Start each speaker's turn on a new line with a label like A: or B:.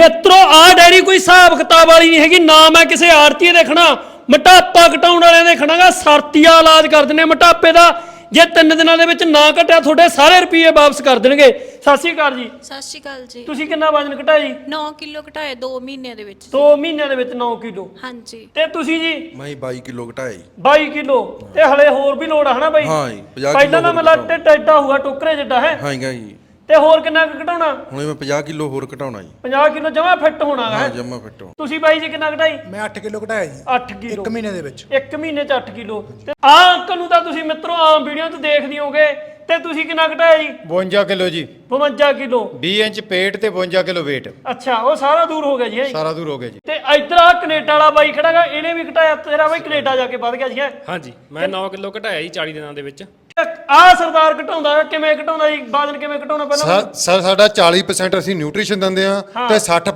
A: ਮਿੱਤਰੋ ਆ ਡੈਰੀ ਕੋਈ ਹਿਸਾਬ ਕਿਤਾਬ ਵਾਲੀ ਨਹੀਂ ਹੈਗੀ ਨਾ। ਮੈਂ ਕਿਸੇ ਆੜਤੀ ਦੇਖਣਾ ਮੋਟਾਪਾ ਘਟਾਉਣ ਵਾਲਿਆਂ ਦੇ ਖਣਾਗਾ ਸਰਤੀਆ ਇਲਾਜ ਕਰ ਦਿੰਦੇ ਮੋਟਾਪੇ ਦਾ। ਜੇ 3 ਦਿਨਾਂ ਦੇ ਵਿੱਚ ਨਾ ਘਟਿਆ ਤੁਹਾਡੇ ਸਾਰੇ ਰੁਪਏ ਵਾਪਸ ਕਰ ਦੇਣਗੇ। ਸਤਿ ਸ਼੍ਰੀ ਅਕਾਲ ਜੀ।
B: ਸਤਿ ਸ਼੍ਰੀ ਅਕਾਲ ਜੀ।
A: ਤੁਸੀਂ ਕਿੰਨਾ ਵਜ਼ਨ ਘਟਾਇਆ ਜੀ?
B: 9 ਕਿਲੋ ਘਟਾਇਆ 2 ਮਹੀਨਿਆਂ ਦੇ ਵਿੱਚ।
A: 2 ਮਹੀਨਿਆਂ ਦੇ ਵਿੱਚ 9 ਕਿਲੋ।
B: ਹਾਂਜੀ।
A: ਤੇ ਤੁਸੀਂ ਜੀ?
C: ਮੈਂ 22 ਕਿਲੋ ਘਟਾਇਆ ਜੀ।
A: 22 ਕਿਲੋ। ਤੇ ਹਲੇ ਹੋਰ ਵੀ ਲੋੜ ਆ ਹਨਾ ਬਾਈ?
C: ਹਾਂ ਜੀ 50
A: ਪਹਿਲਾਂ ਤਾਂ ਮਤਲਬ ਢਿੱਡ ਐਡਾ ਹੋਊਗਾ ਟੋਕਰੇ ਜਿੱਡਾ ਹੈ।
C: ਹਾਂ ਜੀ।
A: ਤੇ ਹੋਰ ਕਿੰਨਾ ਕੁ ਘਟਾਉਣਾ?
C: ਹੁਣ ਮੈਂ 50 ਕਿਲੋ ਹੋਰ ਘਟਾਉਣਾ ਜੀ।
A: 50 ਕਿਲੋ ਜਮਾ ਫਿੱਟ ਹੋਣਾ ਹੈ।
C: ਹਾਂ ਜਮਾ ਫਿੱਟ ਹੋ।
A: ਤੁਸੀਂ ਬਾਈ ਜੀ ਕਿੰਨਾ ਘਟਾਈ?
D: ਮੈਂ 8 ਕਿਲੋ ਘਟਾਇਆ ਜੀ
A: 8 ਕਿਲੋ
D: 1 ਮਹੀਨੇ ਦੇ ਵਿੱਚ।
A: 1 ਮਹੀਨੇ ਚ 8 ਕਿਲੋ। ਤੇ ਆ ਅੰਕਲ ਨੂੰ ਤਾਂ ਤੁਸੀਂ ਮਿੱਤਰੋ ਆਮ ਵੀਡੀਓ 'ਚ ਦੇਖਦੇ ਹੋਗੇ। ਤੇ ਤੁਸੀਂ ਕਿੰਨਾ ਘਟਾਇਆ ਜੀ?
E: 52 ਕਿਲੋ ਜੀ।
A: 52 ਕਿਲੋ
E: 20 ਇੰਚ ਪੇਟ ਤੇ 52 ਕਿਲੋ weight।
A: ਅੱਛਾ ਉਹ ਸਾਰਾ ਦੂਰ ਹੋ ਗਿਆ ਜੀ।
E: ਸਾਰਾ ਦੂਰ ਹੋ ਗਿਆ ਜੀ।
A: ਤੇ ਇੱਧਰ ਆ ਕੈਨੇਡਾ ਵਾਲਾ ਬਾਈ ਖੜਾਗਾ ਇਹਨੇ ਵੀ ਘਟਾਇਆ। ਤੇਰਾ ਬਾਈ ਕੈਨੇਡਾ ਜਾ ਕੇ ਵੱਧ ਗਿਆ ਜੀ।
F: ਹਾਂਜੀ ਮੈਂ 9 ਕਿਲੋ ਘਟਾਇਆ ਜੀ 40 ਦਿਨਾਂ ਦੇ ਵਿੱਚ।
A: ਆ ਸਰਦਾਰ ਘਟਾਉਂਦਾ ਕਿਵੇਂ ਘਟਾਉਂਦਾ ਜੀ? ਵਜ਼ਨ ਕਿਵੇਂ ਘਟਾਉਣਾ ਪਹਿਲਾਂ?
E: ਸਰ ਸਾਡਾ 40% ਅਸੀਂ ਨਿਊਟ੍ਰੀਸ਼ਨ ਦਿੰਦੇ ਆ ਤੇ 60